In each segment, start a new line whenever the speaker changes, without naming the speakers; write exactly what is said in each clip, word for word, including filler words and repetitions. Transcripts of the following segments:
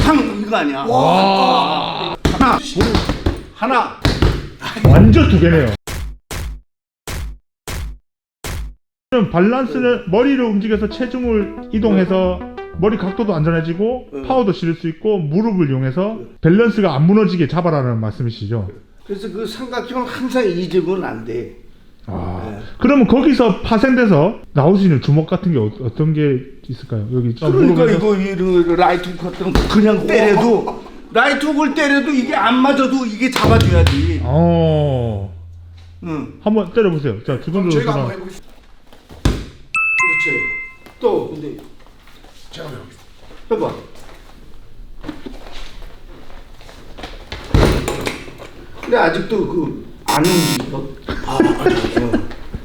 팡 이거 아니야.
와.
하나 하나
완전 두 개네요. 밸런스를 머리를 움직여서 체중을 이동해서 머리 각도도 안전해지고
응.
파워도 실을 수 있고 무릎을 이용해서 밸런스가 안 무너지게 잡아라는 말씀이시죠?
그래서 그 삼각형은 항상 잊으면 안 돼.
아,
네.
그러면 거기서 파생돼서 나올 수 있는 주먹 같은 게 어, 어떤 게 있을까요? 여기
그러니까
무릎에서?
이거 이거 라이트 훅 같은 거 그냥 때려도 라이트 훅을 때려도 이게 안 맞아도 이게 잡아줘야지.
어,
응.
한번 때려보세요. 자, 기본적으로
저희가
저랑-
한번 해보겠습니다.
그렇지. 또 근데
제가 해보겠습니다.
해봐. 근데 아직도 그 안 움직여. 아 맞아.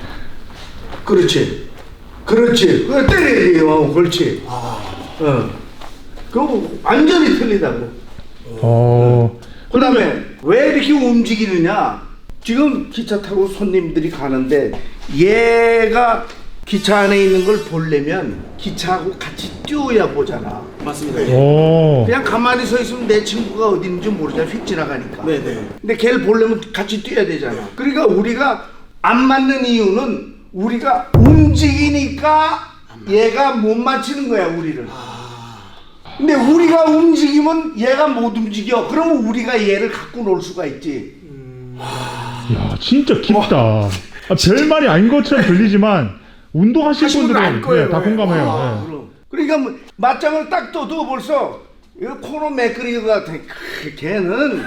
그렇지. 그렇지. 그거 때려야 돼요. 어, 그렇지.
아,
어. 그거 완전히 틀리다고.
어,
그 다음에 왜 이렇게 움직이느냐. 지금 기차 타고 손님들이 가는데 얘가 기차 안에 있는 걸 보려면 기차하고 같이 뛰어야 보잖아.
맞습니다.
오,
그냥 가만히 서 있으면 내 친구가 어디 있는지 모르잖아. 휙 지나가니까.
네네.
근데 걔를 보려면 같이 뛰어야 되잖아. 그러니까 우리가 안 맞는 이유는 우리가 움직이니까 얘가 못 맞히는 거야, 우리를. 근데 우리가 움직이면 얘가 못 움직여. 그러면 우리가 얘를 갖고 놀 수가 있지.
야, 진짜 깊다. 아, 별 말이 아닌 것처럼 들리지만 운동하실
하신 분들은 알
분들은
거예요.
네, 다 공감해요.
아,
네.
그럼. 그러니까 뭐 맞짱을 딱 떠도 벌써 이거 코너 매끄리기 같아. 크, 걔는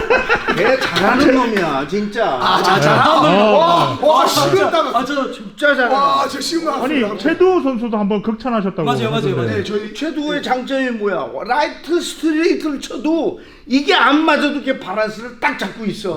걔 잘하는 놈이야, 진짜.
아, 자,
네.
자,
아,
와, 와, 식은땀.
맞아.
진짜 잘해.
와, 저 식은땀.
아니, 최두호 선수도 한번 극찬하셨다고.
맞아요, 맞아요,
하던데.
맞아요.
네, 저희
최두의 장점이 뭐야? 라이트 스트레이트를 쳐도 이게 안 맞아도 이렇게 바란스를 딱 잡고 있어.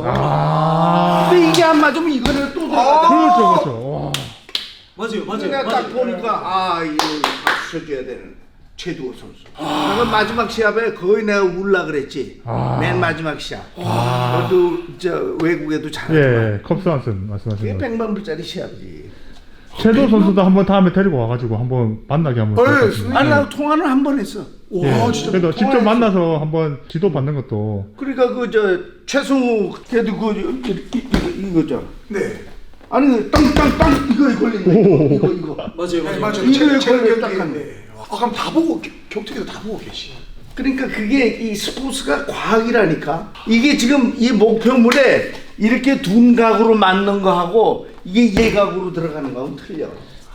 아,
근데 이게 안 맞으면 이거는 또 들어가.
그렇죠, 그렇죠. 와.
맞아요, 맞아요.
내가
맞아요.
딱 보니까 아 이거 박수 쳐줘야 되는 최두호 선수. 내가 마지막 시합에 거의 내가 울라 그랬지.
아.
맨 마지막 시합. 그것도 저 외국에도 잘하지만
예, 컵스 한슨
그게
말씀하신 거.
백만 불짜리 시합이지.
최두호 선수도 한번 다음에 데리고 와가지고 한번 만나게 한번.
어, 예,
부탁드립니다.
아니 나 통화는 한 번 했어.
예,
와, 진짜.
그래도 직접
통화했어.
만나서 한번 지도 받는 것도.
그러니까 그 저 최승우 걔도 그 이- 이- 이- 이거죠.
네.
아니 땅땅땅 이거 걸린다. 이거 이거 이거.
맞아요,
네,
맞아요.
맞아요.
이거에
제- 제
걸려
기억에
딱 한
있는데. 아, 그럼 다 보고 겨- 격투기도 다 보고 계시.
그러니까 그게 이 스포츠가 과학이라니까. 이게 지금 이 목표물에 이렇게 둔각으로 맞는 거하고 이게 예각으로 들어가는 거하고 틀려.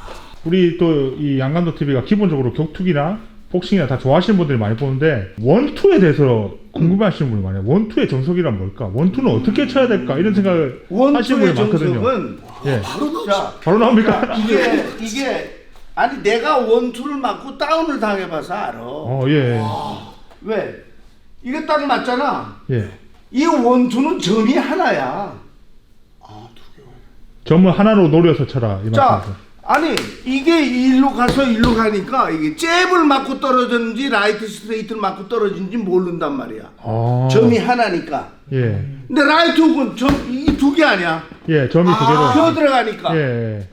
우리 또 이 양감도 티비가 기본적으로 격투기나 복싱이나 다 좋아하시는 분들이 많이 보는데 원투에 대해서 궁금해하시는 분이 많아요. 원투의 정석이란 뭘까? 원투는 어떻게 쳐야 될까? 이런 생각을 하시는
원투의
분이 많거든요.
정석은
예,
바로
자
나.
바로 나옵니까?
이게 이게 아니 내가 원투를 맞고 다운을 당해봐서 알아.
어, 예,
왜? 이게 딱 맞잖아.
예.
이 원투는 점이 하나야.
아, 두 개.
점을 하나로 노려서 쳐라 이
자,
말씀이죠.
아니 이게 일로 가서 일로 가니까 이게 잽을 맞고 떨어졌는지 라이트 스트레이트를 맞고 떨어진지 모른단 말이야.
아,
점이 하나니까.
예,
근데 라이트 훅은 점이 두 개 아니야.
예, 점이 두 개로.
펴 들어가니까.
예,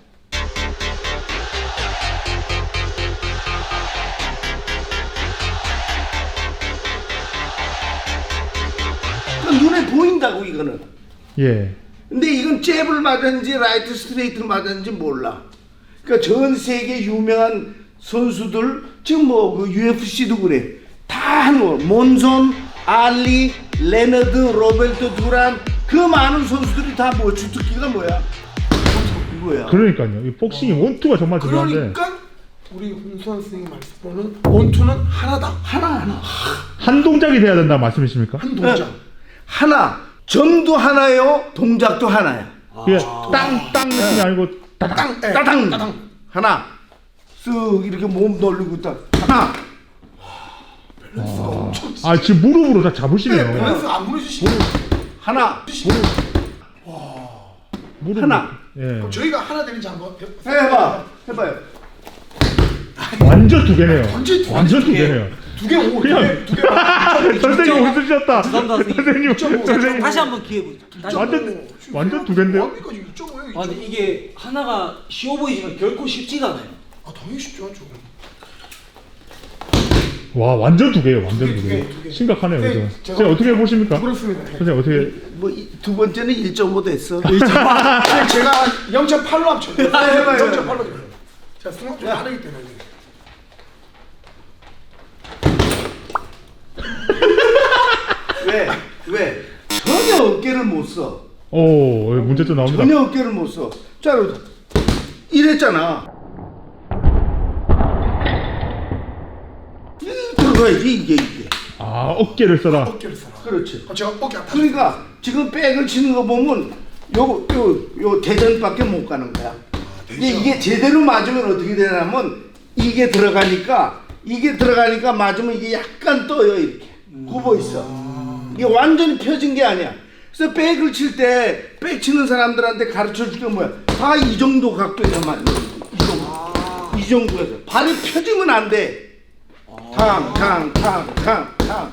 그러니까 눈에 보인다고 이거는.
예.
근데 이건 잽을 맞았는지 라이트 스트레이트를 맞았는지 몰라. 그러니까 전 세계 유명한 선수들 지금 뭐 그 유에프씨도 그래. 다 하는 거. 몬손, 알리, 레너드, 로베르토 두란 그 많은 선수들이 다 뭐 주특기가 뭐야? 이거야.
그러니까요. 이 복싱이 원투가 정말 중요한데.
그러니까 우리 홍수환 선생님 말씀으로는 원투는 하나다.
하나 하나.
한 동작이 돼야 된다는 말씀이십니까?
한 동작.
하나. 점도 하나요. 동작도 하나야.
이게 땅땅 느낌이 아니고 따당.
땅, 예,
따당.
따당.
하나. 쓱 이렇게 몸 돌리고 딱 하나.
밸런스가 엄청.
아, 지금 무릎으로 다
네,
잡으시네요.
밸런스 안 무너지시네.
하나.
무릎.
하나.
예.
그럼 저희가 하나 되는지 한번 해보세요.
해봐. 해봐요.
완전 두 개네요.
완전 두
완전 두
개.
개네요.
두 개, 오, 두
그냥-
개, 두 개.
선생님 웃으셨다.
감사합니다,
선생님,
선생님.
선생님.
다시 한번 기회 보죠. 다시 한번.
완전- 완전 두 개인데요?
뭡니까 지금 이 점 오예요?
아, 근데 이게 하나가 쉬워 보이지만 결코 쉽지가 않아요.
아, 당연히 쉽지 않죠.
와 완전 두 개예요. 완전
두
두
개,
개.
두 개, 두 개.
심각하네요.
네,
그죠?
제가-
선생님 어떻게 보십니까?
그렇습니다.
선생님 어떻게?
뭐 두 번째는 일 점 오 됐어.
제가 영 점 팔로 합쳤어요.
아, 해봐요,
영 점 팔로. 제가 승관 좀 다르기 때문에.
왜? 왜? 전혀 어깨를 못 써.
오 문제점 나옵니다.
전혀 어깨를 못 써. 자, 이랬잖아. 이 들어가야지 이게 이게.
아 어깨를 써라.
어깨를 써라.
그렇지.
어, 제가 어깨 아파.
그러니까 지금 백을 치는 거 보면 요 요 요 대전밖에 못 가는 거야. 근데 이게 제대로 맞으면 어떻게 되냐면 이게 들어가니까 이게 들어가니까 맞으면 이게 약간 떠요 이렇게 굽어 있어. 이게 완전히 펴진 게 아니야. 그래서 백을 칠 때 백 치는 사람들한테 가르쳐 줄 게 뭐야? 다 이 정도 각도에서 맞는 거야. 이 정도. 이 정도에서 발이 펴지면 안 돼. 탕탕탕탕탕.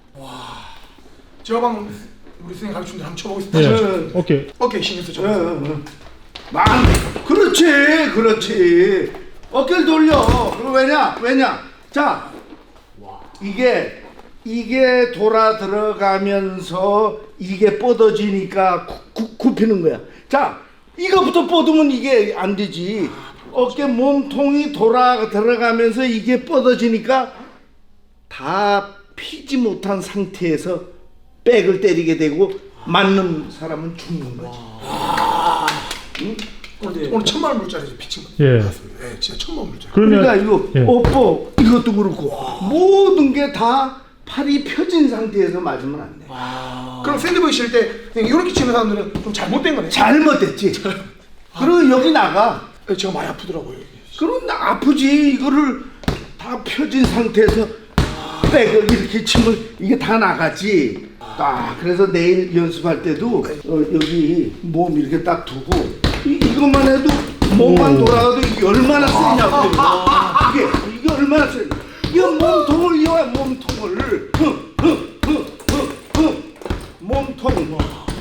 제가 방금 우리 선생님 가르친 대로 한번 쳐보겠습니다.
예.
저-
어깨.
어깨 신경 쓰죠.
어, 어, 어. 만 그렇지 그렇지 어깨를 돌려. 그럼 왜냐 왜냐 자 이게 이게 돌아 들어가면서 이게 뻗어지니까 구, 구, 굽히는 거야. 자 이거부터 뻗으면 이게 안 되지. 어깨 몸통이 돌아 들어가면서 이게 뻗어지니까 다 피지 못한 상태에서 백을 때리게 되고 맞는 사람은 죽는 거지. 응?
오늘, 오늘 천만 원 물짜리죠 피칭.
예.
맞습니다. 예, 진짜 천만 원 물짜리.
그러면
그러니까 이거
예.
뽀뽀 이것도 그렇고 모든 게 다 팔이 펴진 상태에서 맞으면 안 돼.
그럼 샌드보이 칠 때 이렇게 치는 사람들은 좀 잘못된 거네.
잘못됐지. 그리고 여기 나가.
예, 제가 많이 아프더라고요.
그럼 나 아프지. 이거를 다 펴진 상태에서 백을 이렇게 치면 이게 다 나가지. 아, 그래서 내일 연습할 때도 어, 여기 몸 이렇게 딱 두고 이, 이것만 해도 몸만
오.
돌아가도 이게 얼마나 세냐고. 이게 이게 얼마나 세. 이거 몸통을 이용해 몸통을. 흥, 흥, 흥, 흥, 흥. 몸통.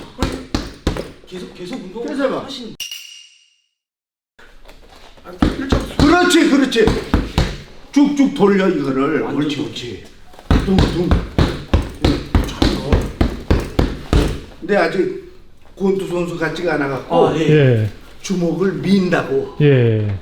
계속 계속 운동
그래서 봐.
하신.
일점
그렇지, 그렇지. 쭉쭉 돌려 이거를. 옳지, 옳지. 둥둥. 근데 아직 권투 선수 같지가 않아갖고
아, 예.
예.
주먹을 민다고.
예.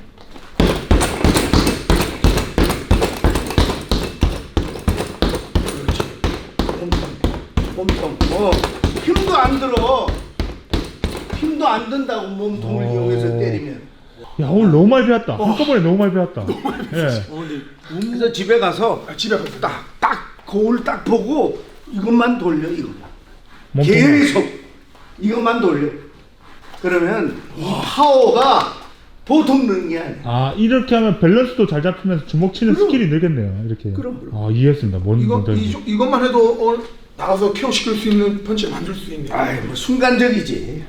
몸통. 어, 힘도 안 들어. 힘도 안 든다고 몸통을
어.
이용해서 때리면.
야 오늘 너무 많이 배웠다. 한꺼번에 너무 많이 배웠다. 예.
어, 근데
그래서 집에 가서
아, 집에 가서
딱, 딱 거울 딱 보고 이것만 돌려 이거.
몸통만.
계속 이것만 돌려. 그러면 이 파워가 보통 느는 게 아니야.
아 이렇게 하면 밸런스도 잘 잡히면서 주먹 치는
그럼.
스킬이 늘겠네요. 이렇게.
그럼, 그럼.
아 이해했습니다. 뭔
이거
뭔지.
이, 이것만 해도 오늘 나가서 케어 시킬 수 있는 펀치를 만들 수 있네.
아이 뭐 순간적이지.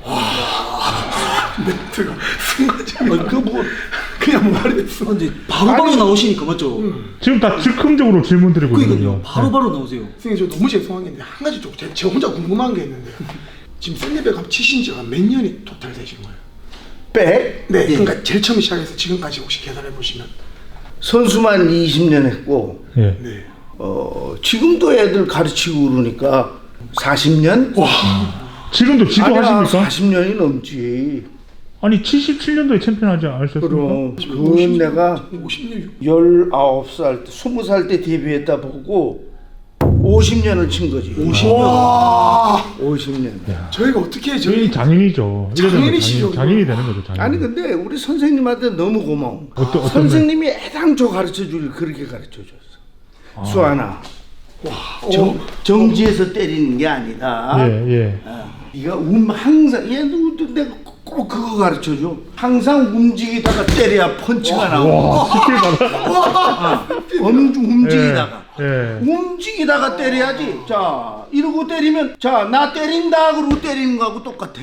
멘트가 순간적인.
그뭐
그냥 뭐 말이 됐어.
아, 근데 바로바로 나오시니까 맞죠?
지금 다 즉흥적으로 질문 드리고
그러니까요.
있거든요.
바로바로 나오세요.
선생님 저 너무 죄송한 게 있는데 한 가지 좀 제 혼자 궁금한 게 있는데 지금 샌드백 치신 지가 몇 년이 토탈 되신 거예요?
백?
네, 그러니까 제일 처음 시작해서 지금까지 혹시 계산해 보시면
선수만 이십 년 했고
예.
네.
어 지금도 애들 가르치고 그러니까 사십 년?
와,
지금도 지도하십니까?
사십 년이 넘지.
아니 칠십칠 년도에 챔피언 하지 않으셨습니까?
그럼 그건 내가
오십 년.
열아홉 살 때, 스무 살 때 데뷔했다 보고 오십 년을 친 거지.
오십 년. 와,
오십 년.
저희가 어떻게
저희
저희
장인이죠. 이러면
장인이시죠,
장인, 장인이 되는 거죠. 장인.
아니 근데 우리 선생님한테 너무 고마워.
어떤- 어떤
선생님이 애당초 가르쳐 줄 그렇게 가르쳐 줬어. 수아나. 정, 정지에서 때리는 게 아니다.
예 예.
어, 네가 움 항상 얘도 내가 꼭 그거 가르쳐 줘. 항상 움직이다가 때려야 펀치가 나오고.
와 스킬 받아.
엄 움직이다가.
예. 예.
움직이다가 때려야지. 자, 이러고 때리면 자, 나 때린다 그러고 때리는 거하고 똑같아.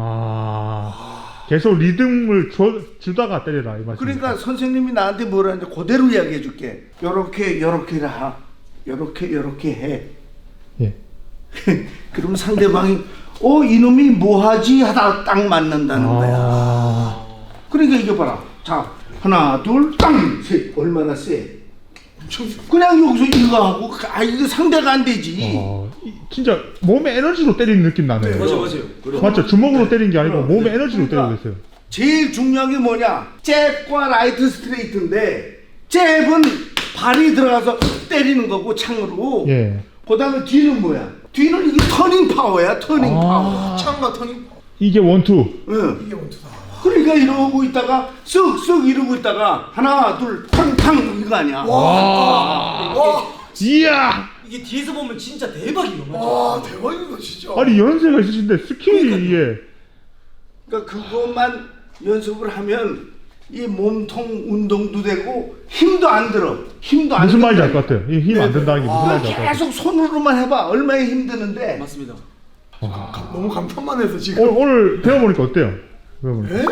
아 계속 리듬을 줘, 주다가 때려라 이 말씀.
그러니까 선생님이 나한테 뭐라 하는지 그대로 이야기해 줄게. 요렇게 요렇게 하. 요렇게 요렇게 해.
예.
그러면 상대방이 어 이놈이 뭐하지 하다 딱 맞는다는 거야.
아.
그러니까 이거 봐라. 자, 하나 둘 땅 셋. 얼마나 세. 그냥 여기서 이거 하고 아 이거 상대가 안 되지.
어, 이- 진짜 몸에 에너지로 때리는 느낌 나네요.
맞아 맞아요.
맞죠? 주먹으로 때리는 게 아니고 몸에 에너지로
그러니까
때리고 있어요.
제일 중요한 게 뭐냐? 잽과 라이트 스트레이트인데 잽은 발이 들어가서 때리는 거고 창으로.
예.
그다음에 뒤는 뭐야? 뒤는 이게 터닝 파워야, 터닝
아.
파워.
창과 터닝
이게 원투.
응.
이게 원투다.
그러니까 이러고 있다가 쓱쓱 이러고 있다가 하나 둘 탕탕 이거 아니야.
와,
이야.
이게 뒤에서 보면 진짜 대박이에요. 맞죠?
와 대박이다 진짜.
아니 연세가 있으신데 스킬이 이게
그러니까 그것만 연습을 하면 이 몸통 운동도 되고 힘도 안 들어. 힘도 안
무슨 말인지 알
든다.
것 같아요. 이 힘 안 든다는 게 무슨
아,
말인지 알 것 같아요.
계속 손으로만 해봐. 얼마나 힘드는데.
맞습니다.
너무 감탄만 해서 지금.
오늘, 오늘 배워보니까 어때요? 배워보니까.
에?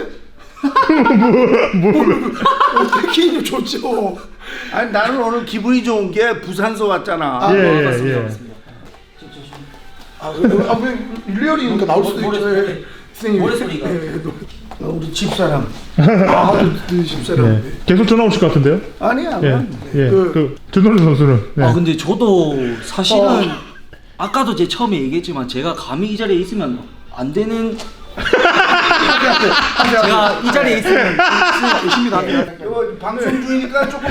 어떻게 좋죠.
아니 나는 오늘 기분이 좋은 게 부산서 왔잖아.
아,
예,
네,
예,
맞습니다.
예.
맞습니다.
아, 그, 아, 왜 릴리얼이니까 나올 수도
모래
있죠.
소리.
예. 선생님.
모래 소리가.
예, 예,
어, 우리 집사람.
아, 그 집사람.
예. 계속 전화 오실 것 같은데요?
아니야.
예.
난
예.
그-
그, 전동준 선수는. 네.
아 근데 저도 사실은
어.
아까도 제 처음에 얘기했지만 제가 감히 이 자리에 있으면 안 되는 제가 이 자리에 있으면
열심히 다녀요.
이거 방송 중이니까 조금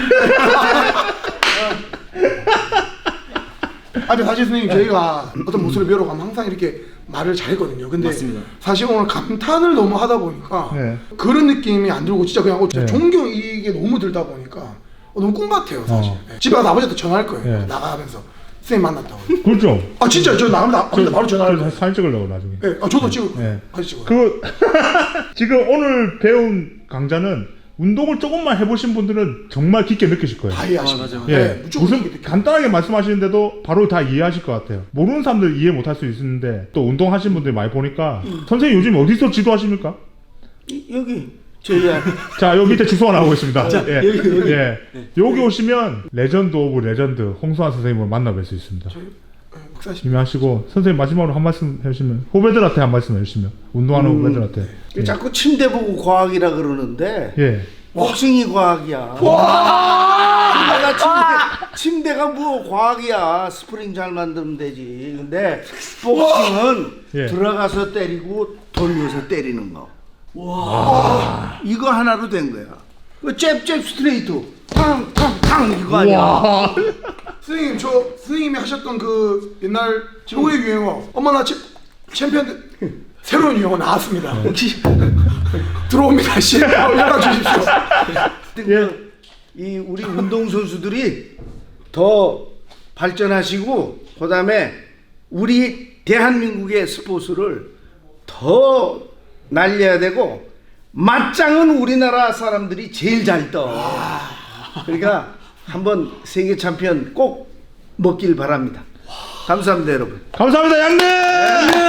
아, 근데 사실 선생님 저희가 어떤 모습을 배우러 가면 항상 이렇게 말을 잘했거든요. 근데
맞습니다.
사실 오늘 감탄을 너무 하다 보니까
네.
그런 느낌이 안 들고 진짜 그냥 어, 진짜
네.
존경 이게 너무 들다 보니까 어, 너무 꿈 같아요 사실.
어.
네. 집에 가서 아버지한테 전화할 거예요.
네.
나가면서 선생님 만났다고.
그렇죠.
아 진짜 저 나가면 나,
저,
바로 전화할
저
거예요.
사진 찍으려고 나중에.
네. 아 저도 찍을 거예요.
네.
같이 찍어요.
그 지금 오늘 배운 강좌는 운동을 조금만 해보신 분들은 정말 깊게 느끼실 거예요.
다 이해하시고.
아, 맞아요.
예,
네, 무조건
무슨
이렇게
간단하게 말씀하시는데도 바로 다 이해하실 것 같아요. 모르는 사람들 이해 못할 수 있는데 또 운동하시는 분들 많이 보니까 선생님 요즘 어디서 지도하십니까?
이- 여기 저희야.
자, 여기 밑에 주소가 나오고 있습니다. 예,
여기, 여기.
예. 여기 오시면 레전드 오브 레전드 홍수환 선생님을 만나뵐 수 있습니다.
네, 목사님.
이미 하시고 선생님 마지막으로 한 말씀 해주시면 후배들한테 한 말씀 해주시면 운동하는
음.
후배들한테. 예.
자꾸 침대 보고 과학이라 그러는데
예.
복싱이 과학이야. 침대가 침대, 침대가 뭐 과학이야. 스프링 잘 만들면 되지. 근데 복싱은
예.
들어가서 때리고 돌려서 때리는 거. 와. 이거 하나로 된 거야. 그 잽잽 스트레이트. 탕탕탕 이거 아니야.
와.
선생님 저 선생님이 하셨던 그 옛날 최고의 유행어 엄마 나 챔- 챔피언 새로운 유행어 나왔습니다. 혹시 들어옵니다. 씨 연락 주십시오.
예. 이 우리 운동 선수들이 더 발전하시고 그다음에 우리 대한민국의 스포츠를 더 날려야 되고 맞짱은 우리나라 사람들이 제일 잘 떠. 그러니까 한번 세계 챔피언 꼭 먹길 바랍니다. 감사합니다, 여러분.
감사합니다, 양님.